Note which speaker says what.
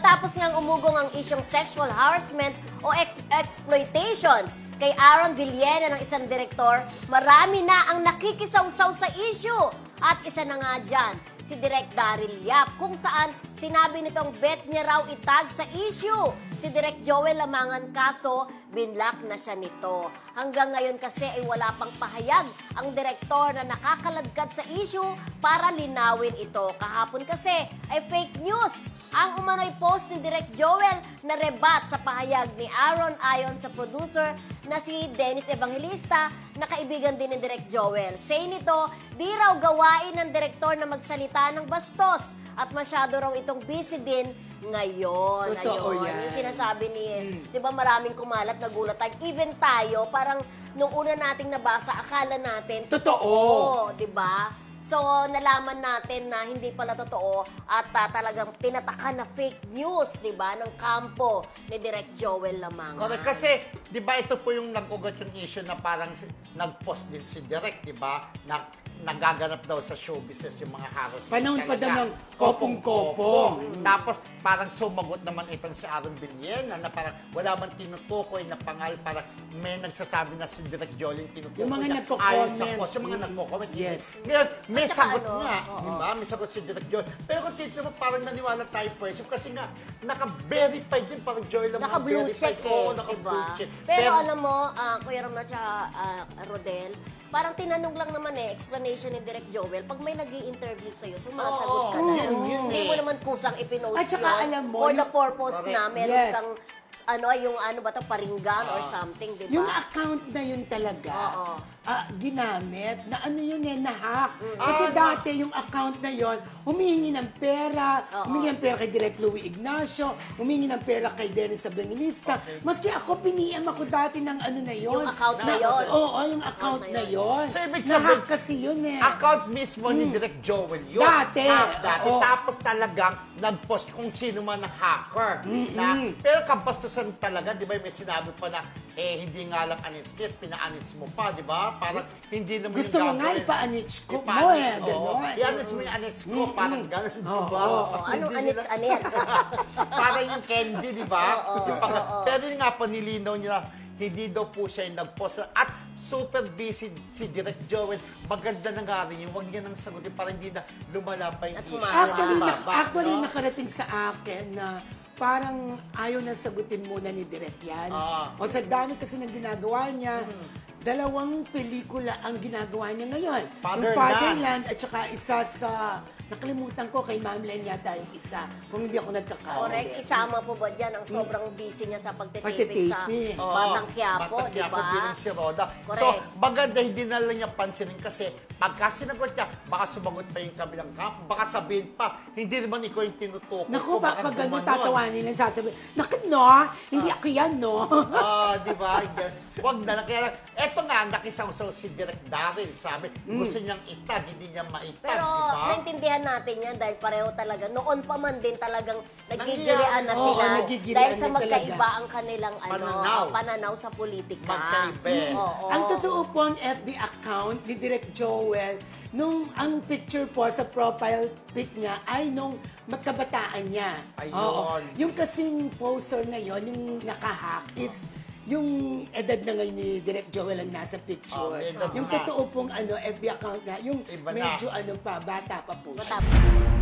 Speaker 1: matapos ngang umugong ang isyong sexual harassment o exploitation kay Aaron Villena ng isang direktor, marami na ang nakikisawsaw sa issue. At isa na nga dyan, si Direk Daryl Yap, kung saan sinabi nitong bet niya raw itag sa issue si Direk Joel Lamangan, kaso binlock na siya nito. Hanggang ngayon kasi ay wala pang pahayag ang direktor na nakakaladkad sa issue para linawin ito. Kahapon kasi ay fake news ang umano'y post ni Direk Joel na rebat sa pahayag ni Aaron ayon sa producer na si Dennis Evangelista na kaibigan din ni Direk Joel. Say nito, di raw gawain ng direktor na magsalita ng bastos at masyado raw itong busy din ngayon.
Speaker 2: Totoo
Speaker 1: Ayun,
Speaker 2: yan.
Speaker 1: yung sinasabi ni, di ba maraming kumalat, nagulat tayo. Even tayo, parang nung una nating nabasa, akala natin,
Speaker 2: Totoo.
Speaker 1: di ba? So, nalaman natin na hindi pala totoo at talagang tinataka na fake news, di ba, ng kampo ni Direk Joel Lamangan.
Speaker 3: Correct. Kasi, di ba, ito po yung nag-ugat yung issue na parang nag-post din si Direk, di ba, na nagaganap daw sa show business yung mga harassment.
Speaker 2: Panahon pa daw ng kopong-kopong.
Speaker 3: Tapos, parang sumagot naman itong si Aaron Villena na parang wala man tinutukoy na pangal, parang may nagsasabi na si Direk Joel yung tinutukoy.
Speaker 2: Yung mga
Speaker 3: niya
Speaker 2: nagko-comment.
Speaker 3: ayon sa post, yung mga nagko-comment.
Speaker 2: Yes.
Speaker 3: Ngayon, may
Speaker 1: At saka
Speaker 3: sagot
Speaker 1: ano,
Speaker 3: nga,
Speaker 1: oo.
Speaker 3: di ba? May sagot si Direk Joel. Pero kung titignan mo, parang naniwala tayo po kasi nga, naka-verified din parang Joel ang mga
Speaker 1: Naka-blue
Speaker 3: verified.
Speaker 1: check eh,
Speaker 3: Oo,
Speaker 1: di
Speaker 3: naka-blue
Speaker 1: ba?
Speaker 3: check.
Speaker 1: Pero alam mo, Kuya Ram at saka Rodel, parang tinanong lang naman explanation ni Direk Joel, pag may nag-i-interview sa'yo, sumasagot ka
Speaker 3: Oo,
Speaker 1: na.
Speaker 3: yun
Speaker 1: Hindi
Speaker 3: eh.
Speaker 1: mo naman kusang ipinost
Speaker 2: At saka
Speaker 1: yun
Speaker 2: alam mo,
Speaker 1: for the
Speaker 2: yung-
Speaker 1: purpose na
Speaker 3: Correct.
Speaker 1: meron
Speaker 2: Yes.
Speaker 1: kang yung ano ba to, paringgan or something, di ba?
Speaker 2: Yung account na yun talaga,
Speaker 1: Oo.
Speaker 2: ginamit, na ano yun na-hack. Kasi dati yung account na yun, humingi ng pera,
Speaker 1: Oo.
Speaker 2: humingi ng pera kay Direk Louie Ignacio, humingi ng pera kay Dennis Evangelista. Maski ako, piniem ako dati ng ano na yun.
Speaker 1: Yung account na yun.
Speaker 2: Oo, yung account na yun.
Speaker 3: So, ibig
Speaker 2: Na-hack
Speaker 3: sabihin,
Speaker 2: kasi yun eh.
Speaker 3: account mismo ni Direk Joel yun.
Speaker 2: Dati.
Speaker 3: Dati.
Speaker 2: Oo.
Speaker 3: Tapos talagang nag-post kung sino man ang hacker. Pero kabastusan talaga, di ba, may sinabi pa na, hindi nga lang anis-nis, pina-anis mo pa, di ba? Parang hindi naman
Speaker 2: Gusto
Speaker 3: yung
Speaker 2: mo nga
Speaker 3: gagawin.
Speaker 2: ipa-anits ko mo
Speaker 3: Ipa-anis,
Speaker 2: eh.
Speaker 3: oo.
Speaker 2: Gano'n.
Speaker 3: I-anis mo yung anis ko, parang gano'n, di ba?
Speaker 2: Oo.
Speaker 1: Anong
Speaker 3: Hindi nila-
Speaker 1: anits-anits?
Speaker 3: Parang yung candy, di ba?
Speaker 1: Oo,
Speaker 3: Yung pang-
Speaker 1: oo.
Speaker 3: Pero yun nga po, nilinaw niya, hindi daw po siya yung nag-post. At super busy si Direk Joel. Maganda na nga rin yung huwag niya nang sagutin para hindi na lumala pa yung
Speaker 1: At
Speaker 3: issue.
Speaker 2: Actually,
Speaker 3: Babas,
Speaker 2: actually
Speaker 3: no?
Speaker 2: nakarating sa akin na parang ayaw na sagutin muna ni Direk yan.
Speaker 3: Ah.
Speaker 2: O sa dami kasi ng ginagawa niya, dalawang pelikula ang ginagawa niya ngayon. Yung
Speaker 3: Fatherland.
Speaker 2: Fatherland at saka isa sa, nakalimutan ko kay Ma'am Len yata yung isa, kung hindi ako nagkakamali.
Speaker 1: Correct. Isama po ba dyan ang sobrang busy niya sa pagtitipid sa
Speaker 2: Pagtitipid.
Speaker 3: Oo,
Speaker 1: Batang Quiapo,
Speaker 3: Batang
Speaker 1: di
Speaker 3: Quiapo
Speaker 1: ba?
Speaker 3: bilang si Roda.
Speaker 1: Correct.
Speaker 3: So, maganda hindi na lang niya pansinin kasi pagka sinagot niya, baka sumagot pa yung kabilang kampo, baka sabihin pa, hindi naman ikaw yung tinutukoy
Speaker 2: Naku,
Speaker 3: ko, baka
Speaker 2: pag gano'n
Speaker 3: gumanon.
Speaker 2: tatawanin lang sasabihin, nakit no, hindi ako yan no.
Speaker 3: Di ba? Huwag na lang. Kaya lang, eto nga, nakisaw-saw si Direk Daryl. Sabi, gusto niyang itag, hindi niya maitag,
Speaker 1: Pero
Speaker 3: di ba?
Speaker 1: naintindihan natin yan dahil pareho talaga. Noon pa man din talagang nagigilian na
Speaker 2: Oo,
Speaker 1: sila.
Speaker 2: nagigilian
Speaker 1: Dahil sa
Speaker 2: na
Speaker 1: magkaiba
Speaker 2: talaga.
Speaker 1: ang kanilang
Speaker 3: Pananaw.
Speaker 1: pananaw sa politika.
Speaker 3: Magkaiba eh.
Speaker 1: Oo.
Speaker 2: Ang totoo po ang FB account ni Direk Joel, nung ang picture po sa profile pic niya ay nung magkabataan niya.
Speaker 3: Ayun.
Speaker 2: Oo. Yung kasing poster na yon, yung nakahack is yung edad na ngayon ni Direk Joel ang nasa picture.
Speaker 3: Edad
Speaker 2: Yung
Speaker 3: na.
Speaker 2: totoo pong FB account niya, yung
Speaker 3: Iba na.
Speaker 2: medyo pa, bata pa po siya.
Speaker 1: Matapos.